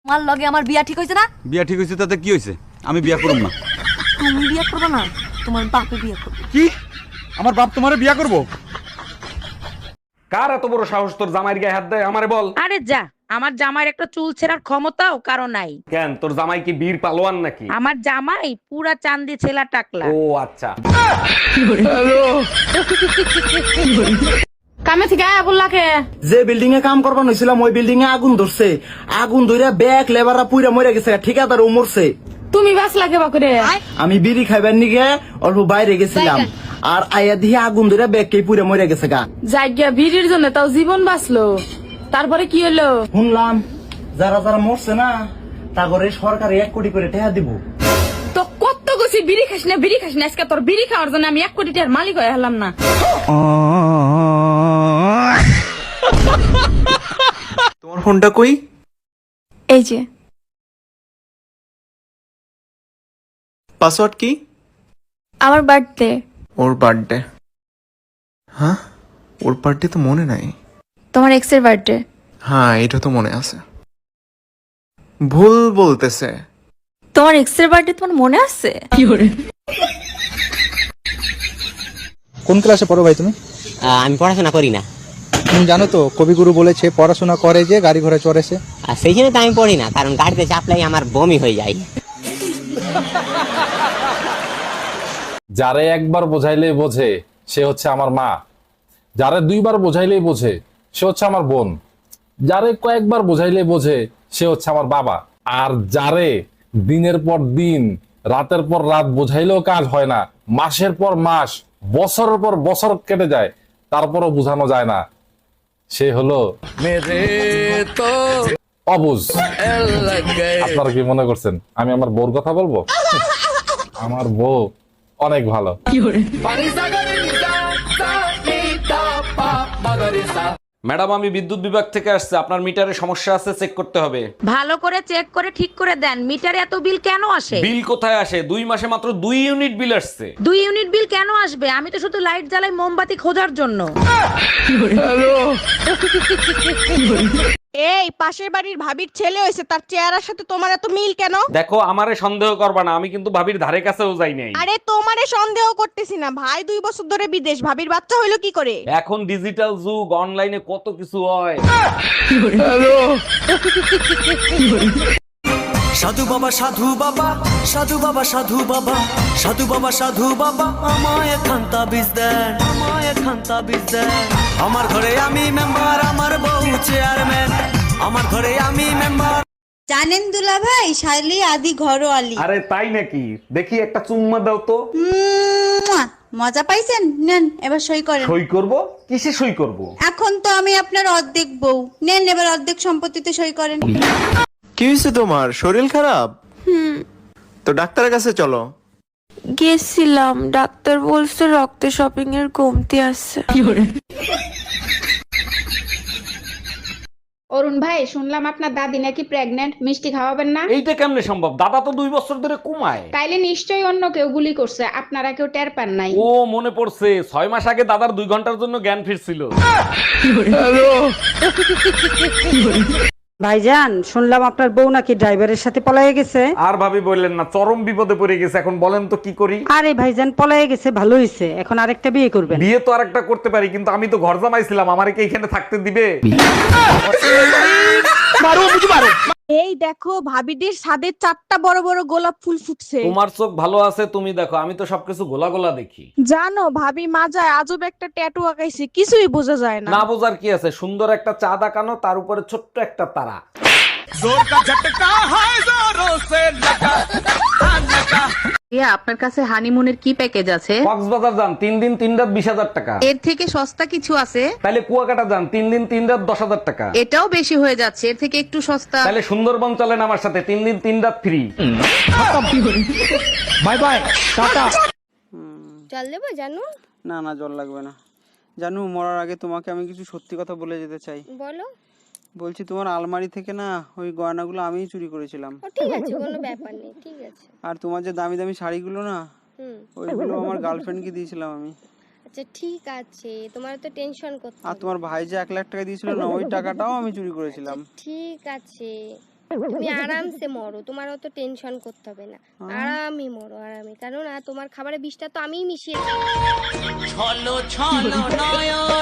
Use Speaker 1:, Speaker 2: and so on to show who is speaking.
Speaker 1: তোমার লগে আমার বিয়া ঠিক হইছে না?
Speaker 2: বিয়া ঠিক হইছে তাতে কি হইছে? আমি বিয়া করব না।
Speaker 1: তুমি বিয়া করবে না, তোমার বাপে বিয়া করবে।
Speaker 2: কি? আমার বাপ তোমারে বিয়া করব?
Speaker 3: কার এত বড় সাহস তোর জামাইয়ের গায়ে হাত দেয়? আমারে বল।
Speaker 4: আরে যা, আমার জামাইয়ের একটা চুল ছেঁড়ার ক্ষমতাও কারো নাই।
Speaker 3: কেন, তোর জামাই কি বীর পালোয়ান নাকি?
Speaker 4: আমার জামাই পুরা চান্দি ছেলা টাকলা।
Speaker 3: ও আচ্ছা।
Speaker 1: কামে থেকে আয়া বললাকে
Speaker 5: যে বিল্ডিং এ কাম করবার হয়েছিলাম ওই বিল্ডিং এ আগুন ধরছে। আগুন ধরে ব্যাগ লেবাররা পুইরা মরে গেছে, ঠিকাদার ও মরছে।
Speaker 1: তুমি বাস লাগে বাকরে।
Speaker 5: আমি বিড়ি খাইবার নিগে অল্প বাইরে গেছিলাম, আর আয়া দিয়ে আগুন ধরে ব্যাগ কে পুইরা মরে গেছে গা।
Speaker 1: জায়গা ভিড়ের জন্য তাও জীবন বাঁচলো, তারপরে কি হলো?
Speaker 5: শুনলাম যারা যারা মরছে না তা করে সরকার 1 কোটি করে টাকা দিব।
Speaker 1: তো কত গেছি বিড়ি খাস না, বিড়ি খাস না, আজকে তোর বিড়ি খাওয়ার জন্য আমি 1 কোটি টাকার মালিক হয়ে হলাম না।
Speaker 6: তোমার ফোনটা কই?
Speaker 7: এই যে
Speaker 6: পাসওয়ার্ড কি?
Speaker 7: আমার বার্থডে।
Speaker 6: ওর বার্থডে? হ্যাঁ, ওর বার্থডে তো মনে নাই।
Speaker 7: তোমার এক্সের বার্থডে।
Speaker 6: হ্যাঁ, এটা তো মনে আছে। ভুল বলতেছে।
Speaker 7: তোমার এক্সের বার্থডে তোমার মনে আছে?
Speaker 8: কোন ক্লাসে পড়ো ভাই তুমি?
Speaker 9: আমি পড়াশোনা করি না।
Speaker 8: তুমি জানো তো কবিগুরু বলেছে পড়াশোনা করে যে গাড়ি ঘোড়া চড়েছে।
Speaker 9: আর সেই জন্য তো আমি পড়ি না, কারণ গাড়িতে চাপলাই আমার বমি হয়ে যায়।
Speaker 3: যারে একবার বোঝাইলেই বোঝে সে হচ্ছে আমার মা, যারে 2বার বোঝাইলেই বোঝে সে হচ্ছে আমার বোন, যারে কয়েকবার বোঝাইলেই বোঝে সে হচ্ছে আমার বাবা, আর যারে দিনের পর দিন রাতের পর রাত বোঝাইলেও কাজ হয় না, মাসের পর মাস বছরের পর বছর কেটে যায় তারপরও বোঝানো যায় না, সে হলো অবুঝ। আপনারা কি মনে করছেন আমি আমার বউর কথা বলবো? আমার বউ অনেক ভালো। ম্যাডাম, আমি বিদ্যুৎ বিভাগ থেকে আসছে, আপনার মিটারে সমস্যা আছে, চেক করতে হবে।
Speaker 4: ভালো করে চেক করে ঠিক করে দেন। মিটারে এত বিল কেন আসে?
Speaker 3: বিল কোথায় আসে? 2 মাসে মাত্র 2 ইউনিট বিল আসছে।
Speaker 4: 2 ইউনিট বিল কেন আসবে? আমি তো শুধু লাইট জ্বালাই মোমবাতি খোঁজার জন্য।
Speaker 10: এই পাশের বাড়ির ভাবির ছেলে হয়েছে, তার চেহারার সাথে তোমার এত মিল কেন?
Speaker 3: দেখো, আমারে সন্দেহ করবা না, আমি কিন্তু ভাবির ধারে কাছেও যাই নাই।
Speaker 10: আরে তোমারে সন্দেহ করতেছি না, ভাই 2 বছর ধরে বিদেশ, ভাবির বাচ্চা হইলো কি করে?
Speaker 3: এখন ডিজিটাল যুগ, অনলাইনে কত কিছু হয়।
Speaker 5: সাধু বাবা সাধু বাবা, সাধু বাবা সাধু বাবা, সাধু বাবা সাধু বাবা, আমায় খান্তা বীজ দেন, আমায় খান্তা বীজ দেন। আমার ঘরে আমি মেম্বার, আমার বউ চেয়ারম্যান, আমার ঘরে আমি মেম্বার।
Speaker 10: জানেন দুলা ভাই, শাইলি আদি ঘরোয়ালি।
Speaker 3: আরে তাই নাকি? দেখি একটা চুম্মা দাও তো।
Speaker 10: মজা পাইছেন? নেন এবার সই করেন।
Speaker 3: সই করব? কিসে সই করব?
Speaker 10: এখন তো আমি আপনার অর্ধেক বউ, নেন এবার অর্ধেক সম্পত্তিতে সই করেন।
Speaker 6: কি হয়েছে তোমার? শরীর খারাপ? তো ডাক্তারের কাছে চলো।
Speaker 7: গেছিলাম, ডাক্তার বলছে রক্তে শপিং এর কমতি আছে।
Speaker 1: অরুণ ভাই, শুনলাম আপনার দাদি নাকি প্রেগন্যান্ট, মিষ্টি খাওয়াবেন না?
Speaker 3: এইটা কেমনে সম্ভব? দাদা তো 2 বছর ধরে কমায়।
Speaker 1: তাইলে নিশ্চয়ই অন্য কেউ গুলি করছে, আপনারা কেউ টের পান নাই।
Speaker 3: ও মনে পড়ছে, 6 মাস আগে দাদার 2 ঘন্টার জন্য জ্ঞান ফিরছিল।
Speaker 11: ভাইজান, শুনলাম আপনার বউ নাকি ড্রাইভারের সাথে পলায়ে গেছে।
Speaker 3: আর ভাবি বললেন না, চরম বিপদে পড়ে গেছে। এখন বলেন তো কি করি?
Speaker 11: আরে ভাইজান, পলায়ে গেছে ভালো হয়েছে, এখন আরেকটা বিয়ে করবেন।
Speaker 3: বিয়ে তো আরেকটা করতে পারি, কিন্তু আমি তো ঘর জামাইছিলাম, আমারে কি এখানে থাকতে দিবে?
Speaker 10: এই দেখো, ভাবিদের ছাদে 4টা বড় বড় গোলাপ ফুল ফুটছে।
Speaker 3: তোমার চোখ ভালো আছে, তুমি দেখো, আমি তো সবকিছু গোলা গোলা দেখি।
Speaker 10: জানো ভাবি মাজায় আজব একটা ট্যাটু আঁকাইছে, কিছুই বোঝা যায় না।
Speaker 3: না বোঝার কি আছে? সুন্দর একটা চাঁদ আঁকানো, তার উপরে ছোট্ট একটা তারা।
Speaker 4: আপনার কাছে হানিমুনের কি প্যাকেজ আছে?
Speaker 3: কক্সবাজার যান 3 দিন 3 রাত 20,000 টাকা।
Speaker 4: এর থেকে সস্তা কিছু আছে?
Speaker 3: তাহলে কুয়াকাটা যান 3 দিন 3 রাত 10,000 টাকা।
Speaker 4: এটাও বেশি হয়ে যাচ্ছে, এর থেকে একটু সস্তা।
Speaker 3: তাহলে সুন্দরবন চলেন আমার সাথে, 3 দিন 3 রাত ফ্রি।
Speaker 5: Bye bye, tata.
Speaker 10: জল দেবো জানু?
Speaker 5: না না, জল লাগবে না। জানু, মরার আগে তোমাকে আমি কিছু সত্যি কথা বলে যেতে চাই।
Speaker 10: বলো।
Speaker 5: বলছি, তোমার আলমারি থেকে না ওই গয়নাগুলো আমিই চুরি করেছিলাম।
Speaker 10: ঠিক আছে, কোনো ব্যাপার নেই, ঠিক আছে।
Speaker 5: আর তোমার যে দামি দামি শাড়িগুলো না, ওইগুলো আমার গার্লফ্রেন্ডকে দিয়েছিলাম আমি।
Speaker 10: আচ্ছা ঠিক আছে, তোমার তো টেনশন করতে।
Speaker 5: আর তোমার ভাই যে 1 লাখ টাকা দিয়েছিল না, ওই টাকাটাও আমি চুরি করেছিলাম।
Speaker 10: ঠিক আছে,
Speaker 7: তুমি আরামসে মরো, তোমার অত টেনশন করতে হবে না, আরামই মরো আরামে, কারণ তোমার খাবারে বিষটা তো আমিই মিশিয়েছি।